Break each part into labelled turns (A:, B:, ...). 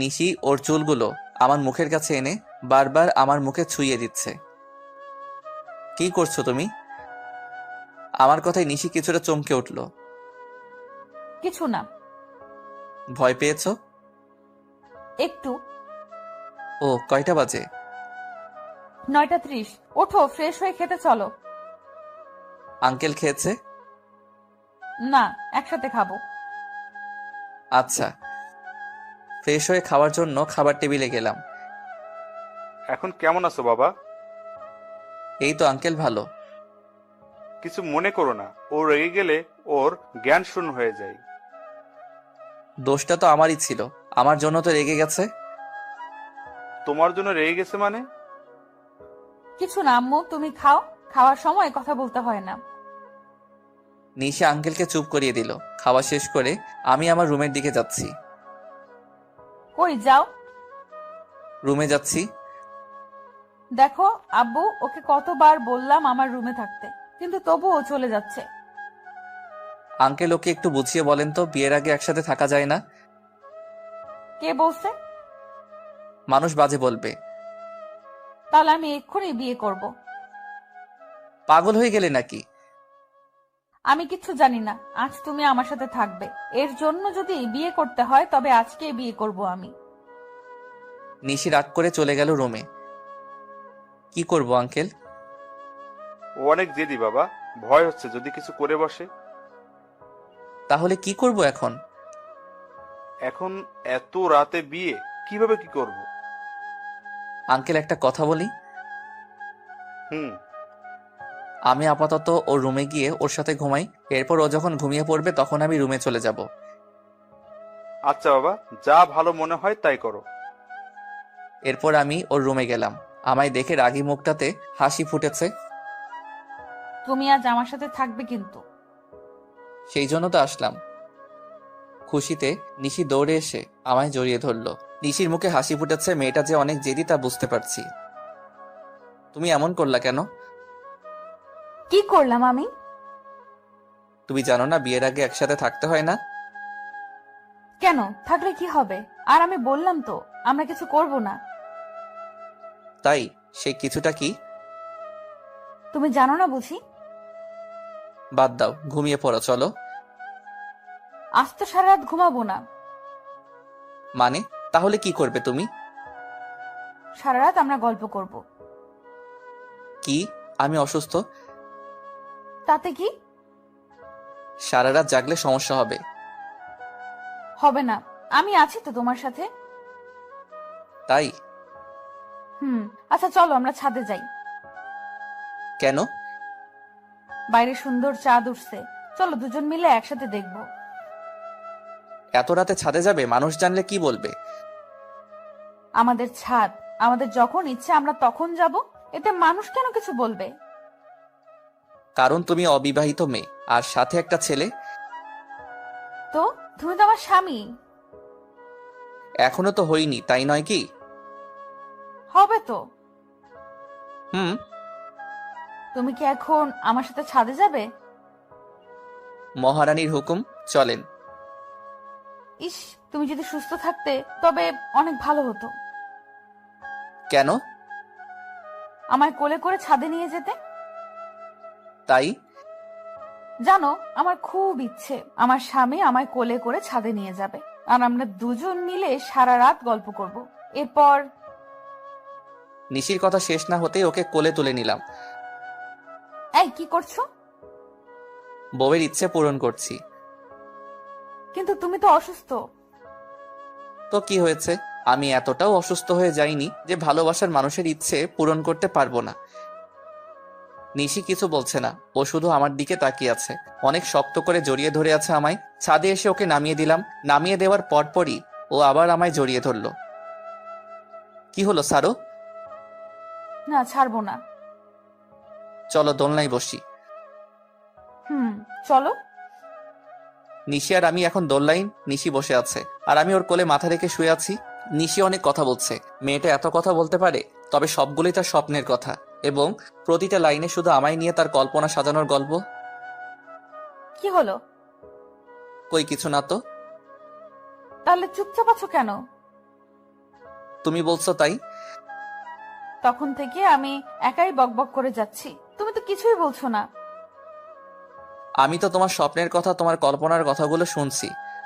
A: নিশি ওর চুলগুলো আমার মুখের কাছে এনে বারবার আমার মুখে ছুঁয়ে দিচ্ছে। কি করছো তুমি? আমার কথায় নিশি কিছুটা চমকে উঠল।
B: কিছু না।
A: ভয় পেয়েছো?
B: একটু।
A: ও, কয়টা বাজে?
B: 9:30। ওঠো, ফ্রেশ হয়ে খেতে চলো।
A: আঙ্কেল খেয়েছে?
B: না, একসাথে খাবো।
A: আচ্ছা। ফ্রেশ হয়ে খাওয়ার জন্য খাবার টেবিলে গেলাম।
C: এখন কেমন আছো বাবা?
A: এই তো আঙ্কেল, ভালো।
C: কিছু মনে করো না, ও রেগে গেলে ওর জ্ঞান শূন্য হয়ে যায়।
A: দোষটা তো আমারই ছিল, আমার জন্য তো রেগে গেছে।
C: তোমার জন্য রেগে গেছে মানে?
B: কিছু না আম্মু, তুমি খাও। খাওয়ার সময় কথা বলতে হয় না।
A: নিশা আঙ্কেলকে চুপ করিয়ে দিল। খাওয়া শেষ করে আমি আমার রুমের দিকে যাচ্ছি।
B: কই যাও?
A: রুমে যাচ্ছি।
B: দেখো আব্বু, ওকে কতবার বললাম আমার রুমে থাকতে, কিন্তু তবুও চলে যাচ্ছে।
A: আঙ্কেল, ওকে একটু বুঝিয়ে বলেন তো, বিয়ের আগে একসাথে থাকা যায় না।
B: কে বলছে?
A: মানুষ বাজে বলবে।
B: তাহলে আমি এক্ষুনি বিয়ে করব।
A: পাগল হয়ে গেলে নাকি?
B: আমি কিচ্ছু জানি না। আজ তুমি আমার সাথে থাকবে। এর জন্য যদি বিয়ে করতে হয় তবে আজকে বিয়ে করব আমি।
A: নিশি রাগ করে চলে গেল রুমে। কি করব আঙ্কেল?
C: ও অনেক জেদি বাবা, ভয় হচ্ছে যদি কিছু করে বসে।
A: তাহলে কি করব এখন?
C: এখন এত রাতে বিয়ে কিভাবে কি করব?
A: আঙ্কেল, একটা কথা বলি।
C: হুম।
A: আমি আপাতত ওর রুমে গিয়ে ওর সাথে ঘুমাই। এরপর ও যখন ঘুমিয়ে পড়বে তখন আমি রুমে চলে যাব।
C: আচ্ছা বাবা, যা ভালো মনে হয় তাই করো।
A: এরপর আমি ওর রুমে গেলাম। আমায় দেখে রাগী মুখটাতে হাসি ফুটেছে।
B: তুমি আজ আমার সাথে থাকবে কিন্তু।
A: সেই জন্য তো আসলাম। খুশিতে নিশি দৌড়ে এসে আমায় জড়িয়ে ধরলো। নিশির মুখে হাসি ফুটেছে, মেয়েটা যে অনেক জেদি তা বুঝতে পারছি। তুমি এমন করলা কেন?
B: কি করলাম আমি?
A: তুমি জানো না বিয়ের আগে একসাথে থাকতে হয় না?
B: কেন? থাকলে কি হবে? আর আমি বললাম তো আমরা কিছু করব না।
A: তাই? সেই কিছুটা কি?
B: তুমি জানো না বুঝি?
A: বাদ দাও, ঘুমিয়ে পড়ো, চলো।
B: আজ তো সারা রাত ঘুমাবো না।
A: মানে? তাহলে কি করবে তুমি?
B: সারা রাত আমরা গল্প করব।
A: কি? আমি অসুস্থ?
B: তাতে কি?
A: সারা রাত জাগলে সমস্যা হবে।
B: হবে না। আমি আছি তো তোমার সাথে।
A: তাই?
B: হুম। আচ্ছা চলো আমরা ছাদে যাই।
A: কেন?
B: বাইরে সুন্দর চাঁদ উঠছে। চলো দুজন মিলে একসাথে দেখব।
A: এত রাতে ছাদে যাবে? মানুষ জানলে কি বলবে?
B: আমাদের ছাদ, আমাদের যখন ইচ্ছে আমরা তখন যাব। এতে মানুষ কেন কিছু বলবে?
A: কারণ তুমি অবিবাহিত মেয়ে, আর সাথে একটা ছেলে।
B: তো তুমি তো আমার স্বামী।
A: এখনো তো হইনি, তাই নয় কি?
B: হবে তো।
A: হুম।
B: তুমি কি এখন আমার সাথে ছাদে যাবে?
A: মহারানীর হুকুম, চলেন।
B: ইস, তুমি যদি সুস্থ থাকতে তবে অনেক ভালো হতো।
A: কেন?
B: আমায় কোলে করে ছাদে নিয়ে যেতে।
A: তাই?
B: জানো, আমার খুব ইচ্ছে আমার স্বামী আমায় কোলে করে ছাদে নিয়ে যাবে, আর আমরা দুজন মিলে সারা রাত গল্প করব। এরপর
A: নিশির কথা শেষ না হতেই ওকে কোলে তুলে নিলাম।
B: এই কি করছো?
A: বউয়ের ইচ্ছে পূরণ করছি।
B: কিন্তু তুমি তো অসুস্থ।
A: তো কি হয়েছে? আমি এতটাও অসুস্থ হয়ে যাইনি যে ভালোবাসার মানুষের ইচ্ছে পূরণ করতে পারবো না। নিশি কিছু বলছে না, ও শুধু আমার দিকে তাকিয়ে আছে। অনেক শক্ত করে জড়িয়ে ধরে আছে আমায়। ছাদে এসে ওকে নামিয়ে দিলাম। নামিয়ে দেওয়ার পরপরই ও আবার আমায় জড়িয়ে ধরলো। কি হলো সারো?
B: না, ছাড়বো না।
A: চলো দোলনায় বসি।
B: হুম, চলো।
A: নিশি আর আমি এখন দোলনায়। নিশি বসে আছে আর আমি ওর কোলে মাথা রেখে শুয়ে আছি। নিশি অনেক কথা বলছে। মেয়েটা এত কথা বলতে পারে, তবে সবগুলোই তার স্বপ্নের কথা, এবং প্রতিটা লাইনে শুধু আমায় নিয়ে তার কল্পনা সাজানোর গল্প।
B: কি হলো?
A: কই কিছু না তো।
B: তাহলে চুপচাপ আছো কেন?
A: তুমি বলছো তাই।
B: তখন থেকে আমি একাই বকবক করে যাচ্ছি, তুমি তো কিছুই বলছো না।
A: আমি তো তোমার স্বপ্নের কথা, তোমার কল্পনার কথাগুলো শুনছি।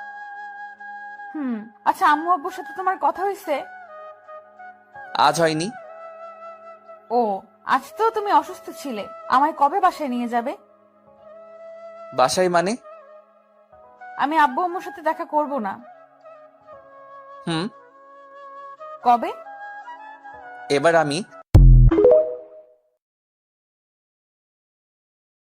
B: আচ্ছা, আম্মু আব্বুর সাথে তোমার কথা হয়েছে?
A: আজ হয়নি।
B: ও, আজ তো তুমি অসুস্থ ছিলে। আমায় কবে বাসায় নিয়ে যাবে?
A: বাসায় মানে?
B: আমি আব্বু আম্মুর সাথে দেখা করব না।
A: হুম।
B: কবে?
A: এবার আমি